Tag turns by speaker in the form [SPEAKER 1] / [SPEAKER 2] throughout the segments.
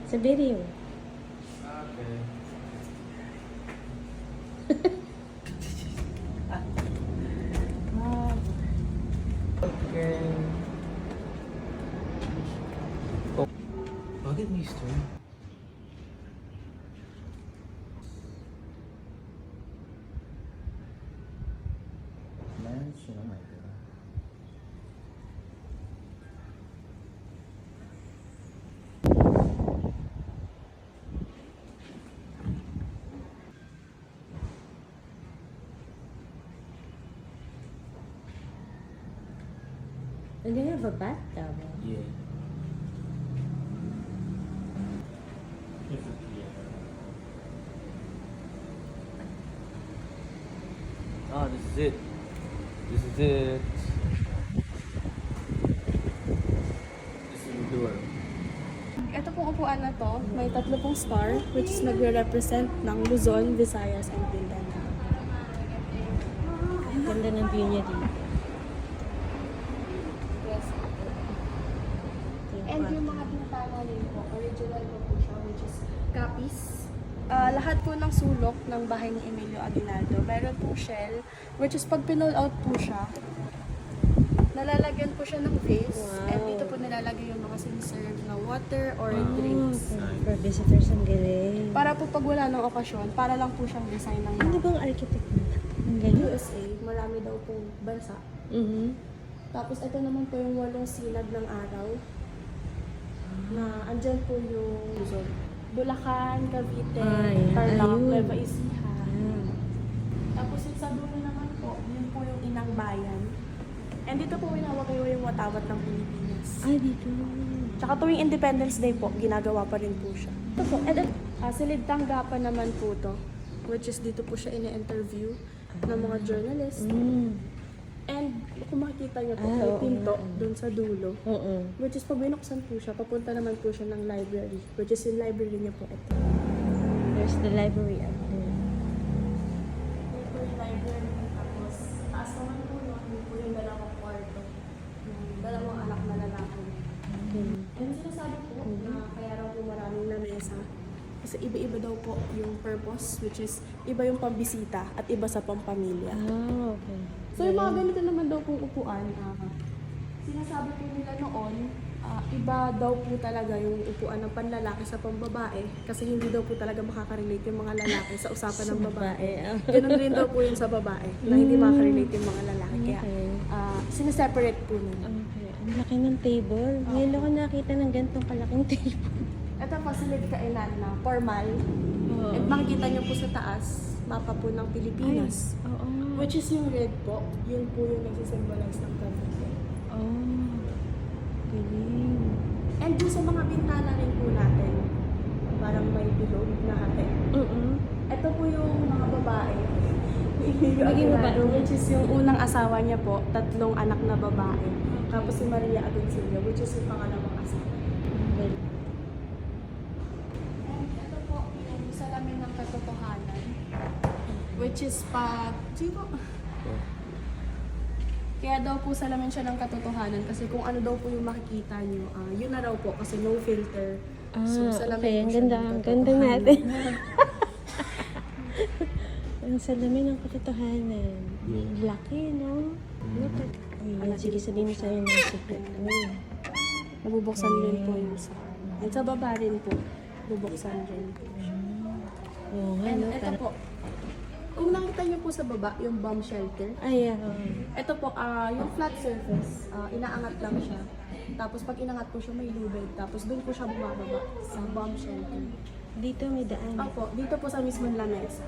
[SPEAKER 1] Sa video.
[SPEAKER 2] Okay. Okay. Oh. Bakit mister? Man, sino may pera?
[SPEAKER 1] And they have a bathtub.
[SPEAKER 2] Yeah. Ah, this is it. This is it. This is the door.
[SPEAKER 3] Ito pong upuan na to, may tatlo pong star, which is nagre-represent ng Luzon, Visayas, and Mindanao.
[SPEAKER 1] Ang ganda ng view niya dito.
[SPEAKER 3] Yes. And yung mga bintana rin po, original po siya, which is copies. Lahat po ng sulok ng bahay ni Emilio Aguinaldo, meron pong shell, which is pag pinull out po siya, nalalagyan po siya ng vase,
[SPEAKER 1] Wow.
[SPEAKER 3] and dito po nilalagay yung mga siniserve na water or
[SPEAKER 1] Oh,
[SPEAKER 3] drinks.
[SPEAKER 1] for visitors, ang galing.
[SPEAKER 3] Para po pag wala ng okasyon, para lang po siyang design ng
[SPEAKER 1] Ano bang architect nito? Ang galing.
[SPEAKER 3] USA, marami daw pong bansa.
[SPEAKER 1] Mhm.
[SPEAKER 3] Tapos ito naman po yung 8 sinag ng araw. Na andyan po yung Luzon. Bulacan, Cavite,
[SPEAKER 1] Ay,
[SPEAKER 3] Tarlac,
[SPEAKER 1] ayun.
[SPEAKER 3] Nueva Ecija.
[SPEAKER 1] Ah.
[SPEAKER 3] Tapos yung sa dulo naman po, yun po yung inang bayan. And dito po winawagayo yung watawat ng Pilipinas.
[SPEAKER 1] Ay, dito.
[SPEAKER 3] Tsaka tuwing Independence Day po, ginagawa pa rin po siya. Ito po, silid tanggapan naman po to. Which is dito po siya ine-interview ng mga journalists.
[SPEAKER 1] Mm.
[SPEAKER 3] And kung makikita niyo po,
[SPEAKER 1] Ah,
[SPEAKER 3] may
[SPEAKER 1] oo
[SPEAKER 3] pinto
[SPEAKER 1] nga.
[SPEAKER 3] dun sa dulo.
[SPEAKER 1] Oo.
[SPEAKER 3] Which is pag binuksan po siya, papunta naman po siya ng library. Which is yung library niya po ito.
[SPEAKER 1] There's the library up there.
[SPEAKER 3] Ito yung library. Tapos, taas naman po yun po yung dalawang kwarto. Yung dalawang anak na lalaki.
[SPEAKER 1] Okay.
[SPEAKER 3] And sinasabi po na kaya raw po maraming lamesa. Kasi iba-iba daw po yung purpose, which is iba yung pambisita at iba sa pampamilya.
[SPEAKER 1] Ah, okay.
[SPEAKER 3] So yung mga ganito naman daw pong upuan, sinasabi po nila noon, iba daw po talaga yung upuan ng panlalaki sa pambabae kasi hindi daw po talaga makaka-relate yung mga lalaki sa usapan ng babae. Ganun rin daw po yung sa babae na hindi makaka-relate yung mga lalaki. Kaya
[SPEAKER 1] Okay.
[SPEAKER 3] sineseparate po nila.
[SPEAKER 1] Okay. Ang laki ng table. Ngayon ako nakita ng ganitong kalaking table.
[SPEAKER 3] Ito po silid kainan na formal.
[SPEAKER 1] Oo.
[SPEAKER 3] And makikita nyo po sa taas, mapa po ng Pilipinas.
[SPEAKER 1] Oo.
[SPEAKER 3] Which is yung red po, yun po yung nagsisymbolize ng Cavite.
[SPEAKER 1] Oh. Galing.
[SPEAKER 3] And dun sa mga bintana rin po natin, parang may bilog na hati. Ito po yung mga babae.
[SPEAKER 1] Maging babae.
[SPEAKER 3] Which is yung unang asawa niya po, 3 anak na babae. Tapos si Maria Agoncillo, which is yung pangalawang asawa.
[SPEAKER 1] Galing.
[SPEAKER 3] And ito po yung salamin ng katotohanan. Which is pag... Kaya daw po salamin siya ng katotohanan kasi kung ano daw po yung makikita nyo, yun na raw po kasi no filter.
[SPEAKER 1] Ah, okay.
[SPEAKER 3] po
[SPEAKER 1] Ang
[SPEAKER 3] siya
[SPEAKER 1] ganda.
[SPEAKER 3] ng
[SPEAKER 1] Ang ganda
[SPEAKER 3] katotohanan.
[SPEAKER 1] natin. Ang salamin ng katotohanan.
[SPEAKER 2] Yeah.
[SPEAKER 1] Laki, no? Look at... Ay, sige, sabihin mo sa'yo ng secret. Ay.
[SPEAKER 3] Nabubuksan rin po yung sa... And sa baba rin po, bubuksan rin po siya.
[SPEAKER 1] Oo nga,
[SPEAKER 3] And
[SPEAKER 1] no?
[SPEAKER 3] ito po, kung nakita niyo po sa baba, yung bomb shelter,
[SPEAKER 1] Ay,
[SPEAKER 3] ito po, yung flat surface, inaangat lang siya. Tapos pag inangat po siya, may lubid. Tapos doon po siya bumababa sa bomb shelter.
[SPEAKER 1] Dito may daan.
[SPEAKER 3] Opo, dito po sa mismong lamesa.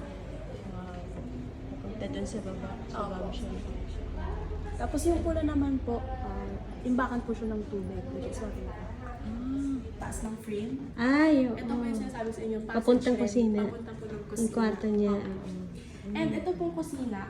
[SPEAKER 1] Punta doon sa baba. Sa
[SPEAKER 3] Opo.
[SPEAKER 1] bomb shelter.
[SPEAKER 3] Tapos yung pula naman po, imbakan po siya ng tubig, which is what we have. Taas ng frame.
[SPEAKER 1] Ay, oo.
[SPEAKER 3] Ito po yung sinasabi sa inyo, passage
[SPEAKER 1] Papuntang
[SPEAKER 3] frame,
[SPEAKER 1] kusina.
[SPEAKER 3] Papunta po ng kusina.
[SPEAKER 1] Yung kwarto niya.
[SPEAKER 3] Opo. And ito pong kusina,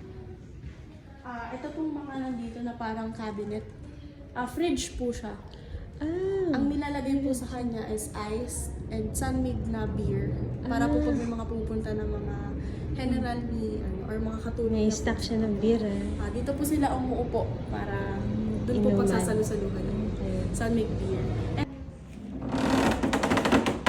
[SPEAKER 3] ito pong mga nandito na parang cabinet. Fridge po siya.
[SPEAKER 1] Ah.
[SPEAKER 3] Ang nilalagay po sa kanya is ice and sunmade na beer. Para po pag may mga pupunta ng mga general ni or mga katulong
[SPEAKER 1] May
[SPEAKER 3] na
[SPEAKER 1] stock
[SPEAKER 3] po.
[SPEAKER 1] siya ng beer,
[SPEAKER 3] Dito po sila umuupo para doon po
[SPEAKER 1] Inuman.
[SPEAKER 3] pagsasalusaluhan.
[SPEAKER 1] Okay.
[SPEAKER 3] Sunmade beer. And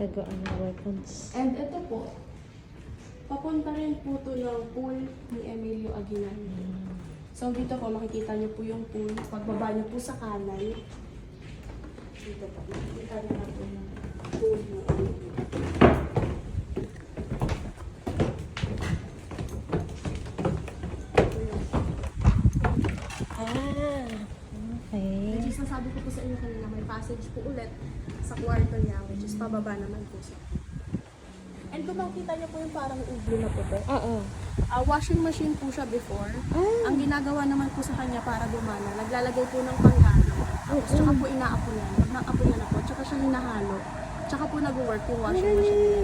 [SPEAKER 1] Tagaan ng weapons.
[SPEAKER 3] And ito po, papunta rin po to ng pool ni Emilio Aguilar. So dito po, makikita niyo po yung pool. Pagbaba niyo po sa kanan, dito po, makikita niyo na po yung pool ni Emilio.
[SPEAKER 1] Ah, okay.
[SPEAKER 3] Which is, nasabi ko po sa inyo kanina, may passage po ulit sa kwarto niya, which is pababa naman po siya. And kung makikita niyo po yung parang ublo na po,
[SPEAKER 1] Oo.
[SPEAKER 3] washing machine po siya before. Ang ginagawa naman po sa kanya para gumana, naglalagay po ng panghalo. Tsaka po inaapo niya. Pag naapo niya na po, tsaka siya hinahalo. Tsaka po nag-work yung washing machine niya.